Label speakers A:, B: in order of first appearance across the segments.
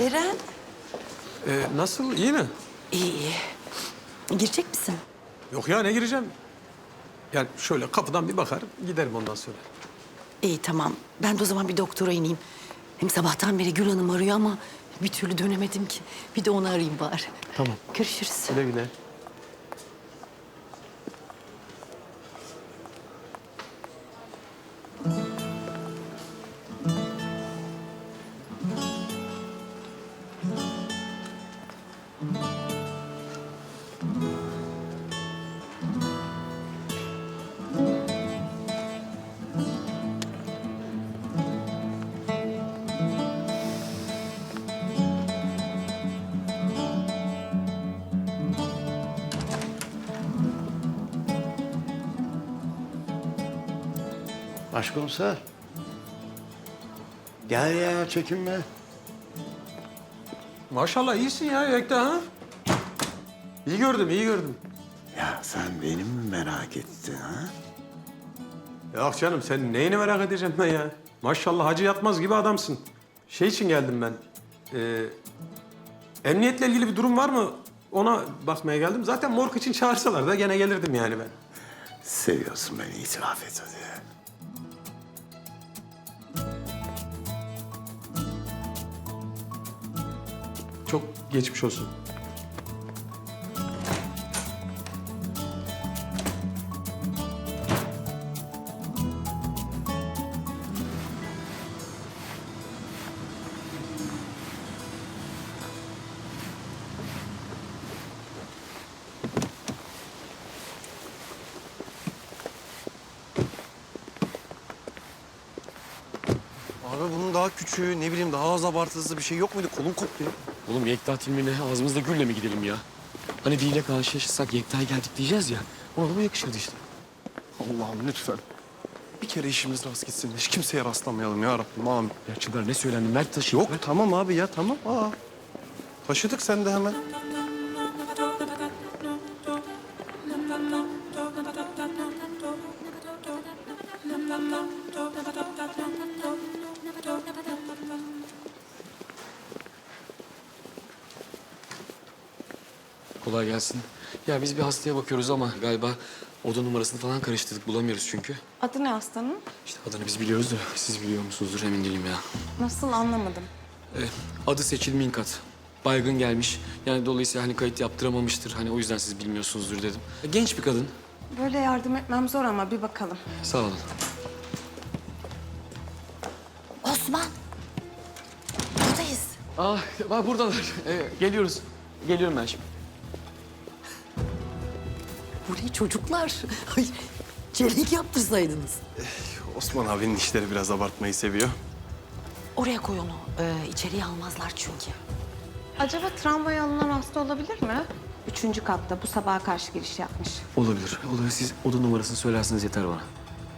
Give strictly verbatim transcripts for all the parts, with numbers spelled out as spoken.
A: Eren.
B: Ee, nasıl? İyi mi?
A: İyi iyi. Girecek misin?
B: Yok ya, ne gireceğim? Yani şöyle kapıdan bir bakar, giderim ondan sonra.
A: İyi tamam. Ben de o zaman bir doktora ineyim. Hem sabahtan beri Gül Hanım arıyor ama bir türlü dönemedim ki. Bir de onu arayayım bari.
B: Tamam.
A: Görüşürüz.
B: Güle güle.
C: Başkomiser. Gel ya, çekinme.
B: Maşallah iyisin ya Yekta ha. İyi gördüm, iyi gördüm.
C: Ya sen beni mi merak ettin ha?
B: Yok canım, sen neyini merak edeceğim ben ya? Maşallah Hacı Yatmaz gibi adamsın. Şey için geldim ben. Ee, emniyetle ilgili bir durum var mı? Ona bakmaya geldim. Zaten morg için çağırsalar da gene gelirdim yani ben.
C: Seviyorsun beni, itiraf et hadi.
B: Çok geçmiş olsun.
D: Abi bunun daha küçüğü, ne bileyim daha az abartısı bir şey yok muydu? Kolum koptu ya.
E: Oğlum Yekta filmine ağzımızda gülle mi gidelim ya? Hani biriyle karşılaşırsak Yekta'ya geldik diyeceğiz ya. Ona da bu yakışırdı işte.
D: Allah'ım lütfen. Bir kere işimiz rast gitsin. Hiç kimseye rastlamayalım ya Rabbim. Amin.
E: Ya Çınar ne söylendi? Mert taşı.
D: Yok tamam abi ya tamam. Aa. Taşıdık sen de hemen.
E: Kolay gelsin. Ya biz bir hastaya bakıyoruz ama galiba oda numarasını falan karıştırdık. Bulamıyoruz çünkü.
F: Adı ne hastanın?
E: İşte adını biz biliyoruz da siz biliyor musunuzdur emin değilim ya.
F: Nasıl anlamadım.
E: Ee, adı Seçil Minkat. Baygın gelmiş. Yani dolayısıyla hani kayıt yaptıramamıştır. Hani o yüzden siz bilmiyorsunuzdur dedim. Genç bir kadın.
F: Böyle yardım etmem zor ama bir bakalım.
E: Sağ olun.
A: Osman. Buradayız.
E: Aa, bak buradalar. Ee, geliyoruz. Geliyorum ben şimdi.
A: Bu ne çocuklar? Ay, çelenk yaptırsaydınız.
D: Osman abinin işleri biraz abartmayı seviyor.
A: Oraya koy onu. Ee, içeriye almazlar çünkü.
F: Acaba tramvaya alınan hasta olabilir mi? Üçüncü katta bu sabaha karşı giriş yapmış.
E: Olabilir. Olabilir. Siz oda numarasını söylerseniz yeter bana.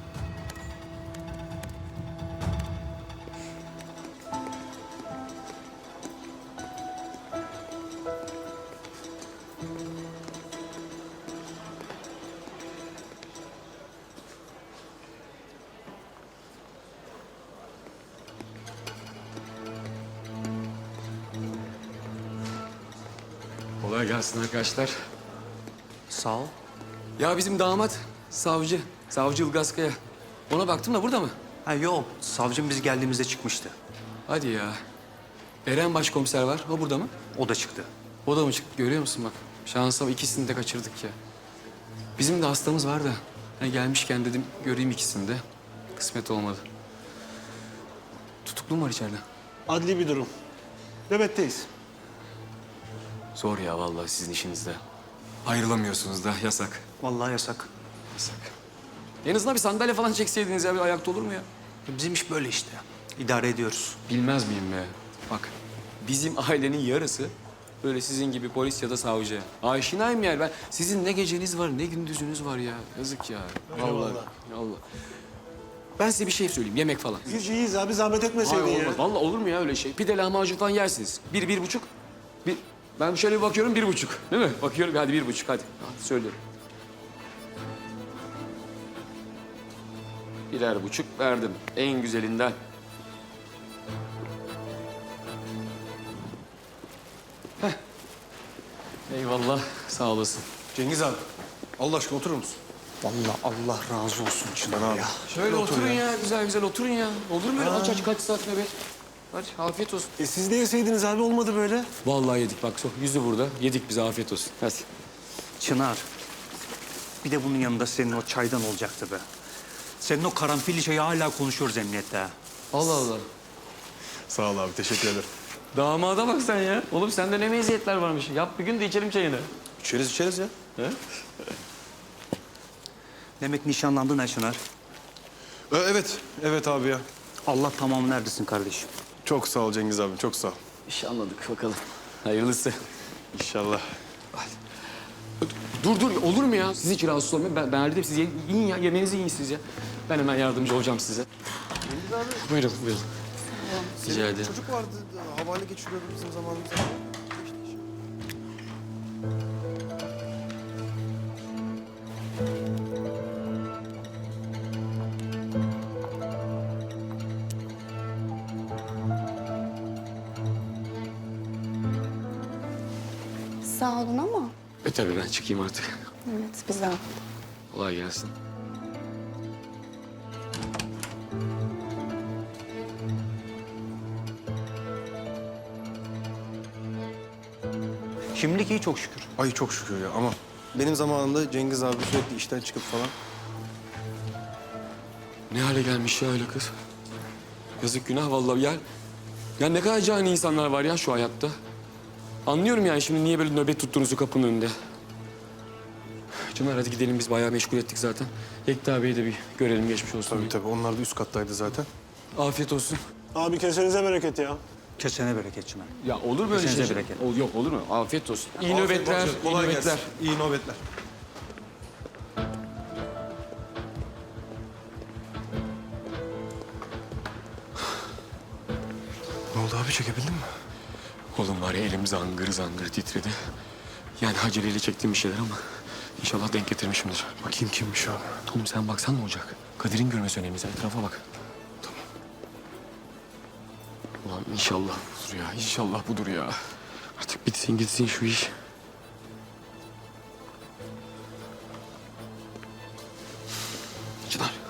E: Kolay gelsin arkadaşlar.
D: Sağ ol.
E: Ya bizim damat savcı. Savcı Ilgaz Kaya. Ona baktım da burada mı?
G: Ha yok, savcım biz geldiğimizde çıkmıştı.
E: Hadi ya. Eren başkomiser var. O burada mı?
G: O da çıktı.
E: O da mı çıktı? Görüyor musun bak. Şansa ikisini de kaçırdık ya. Bizim de hastamız var da. Hani gelmişken dedim göreyim ikisini de. Kısmet olmadı. Tutuklu mu var içeride?
D: Adli bir durum. Nöbetteyiz.
E: Zor ya vallahi sizin işinizde. Ayrılamıyorsunuz da yasak.
G: Vallahi yasak.
E: Yasak. En azından bir sandalye falan çekseydiniz ya bir ayakta olur mu ya?
G: Bizim iş böyle işte. İdare ediyoruz.
E: Bilmez miyim be? Bak bizim ailenin yarısı böyle sizin gibi polis ya da savcı. Aşinayım yani ben. Sizin ne geceniz var ne gündüzünüz var ya. Yazık ya. Vallahi. Allah. Ben size bir şey söyleyeyim yemek falan.
H: Biz iyiyiz abi, zahmet etmeseydin
E: Hayır,
H: ya.
E: olmaz. Vallahi olur mu ya öyle şey? Pide lahmacun falan yersiniz. Bir, bir buçuk. Bir, ben şöyle bir bakıyorum bir buçuk. Değil mi? Bakıyorum hadi bir buçuk hadi. Hadi söylüyorum. Birer buçuk verdim. En güzelinden. Eyvallah. Sağ olasın.
D: Cengiz abi. Allah aşkına oturur musun?
G: Vallahi Allah razı olsun Çınar
D: abi.
G: ya.
E: Şöyle oturun ya. Güzel güzel oturun ya. Olur mu öyle aç aç kaç saat nöbet? Hadi afiyet olsun.
D: E siz de yeseydiniz abi, olmadı böyle.
E: Vallahi yedik bak. so- Yüzü burada. Yedik bize afiyet olsun. Hadi.
G: Çınar. Bir de bunun yanında senin o çaydan olacaktı be. Senin o karanfilli çayı hala konuşuyoruz emniyette ha.
E: Allah Allah.
D: Sağ ol abi, teşekkür ederim.
E: Damada bak sen ya. Oğlum sende ne meziyetler varmış. Yap bir gün de içelim çayını.
D: İçeriz içeriz ya.
G: Demek nişanlandın ha Çınar.
D: E, evet, evet abi ya.
G: Allah tamamını erdirsin kardeşim.
D: Çok sağ ol Cengiz abi, çok sağ ol.
E: İş anladık bakalım. Hayırlısı.
D: İnşallah.
E: Dur dur olur mu ya? Siz hiç rahatsız olmayın. Ben, ben halledeyim. Siz ye- yiyin ya. Yemeğinizi yiyin siz ya. Ben hemen yardımcı olacağım size. Buyurun buyurun. Rica ederim.
D: Çocuk vardı, havale geçiriyordu bizim zamanımızda.
H: Sağ olun ama
E: E tabii ben çıkayım artık.
H: evet bir zahmet.
E: Kolay gelsin.
G: Şimdilik iyi çok şükür.
D: Ay çok şükür ya, ama benim zamanımda Cengiz abi sürekli işten çıkıp falan.
E: Ne hale gelmiş ya öyle kız. Yazık günah vallahi ya. Ya ne kadar cani insanlar var ya şu hayatta. Anlıyorum yani şimdi niye böyle nöbet tuttuğunuzu kapının önünde. Çınar hadi gidelim biz bayağı meşgul ettik zaten. Yekta Bey'i de bir görelim geçmiş olsun.
D: Tabii
E: diye.
D: tabii, onlar da üst kattaydı zaten.
E: Afiyet olsun.
I: Abi kesenize bereket ya.
G: Kesene bereket Çınar.
E: Ya olur böyle
G: Kesinize
E: şey.
G: bereket.
E: Ol, yok olur mu? Afiyet olsun. İyi
D: Afiyet
E: nöbetler,
D: olsun,
E: iyi
D: kolay
E: nöbetler.
D: gelsin. İyi nöbetler. Ne oldu abi, çekebildin mi?
E: Oğlum var ya elim zangır zangır titredi. Yani aceleyle çektiğim bir şeyler ama inşallah denk getirmişimdir.
D: Bakayım kimmiş abi.
E: Oğlum sen baksan ne olacak? Kadir'in görmesi önemli. Sen etrafa bak. Tamam. Ulan inşallah budur ya. İnşallah budur ya. Artık bitsin gitsin şu iş. Çınar.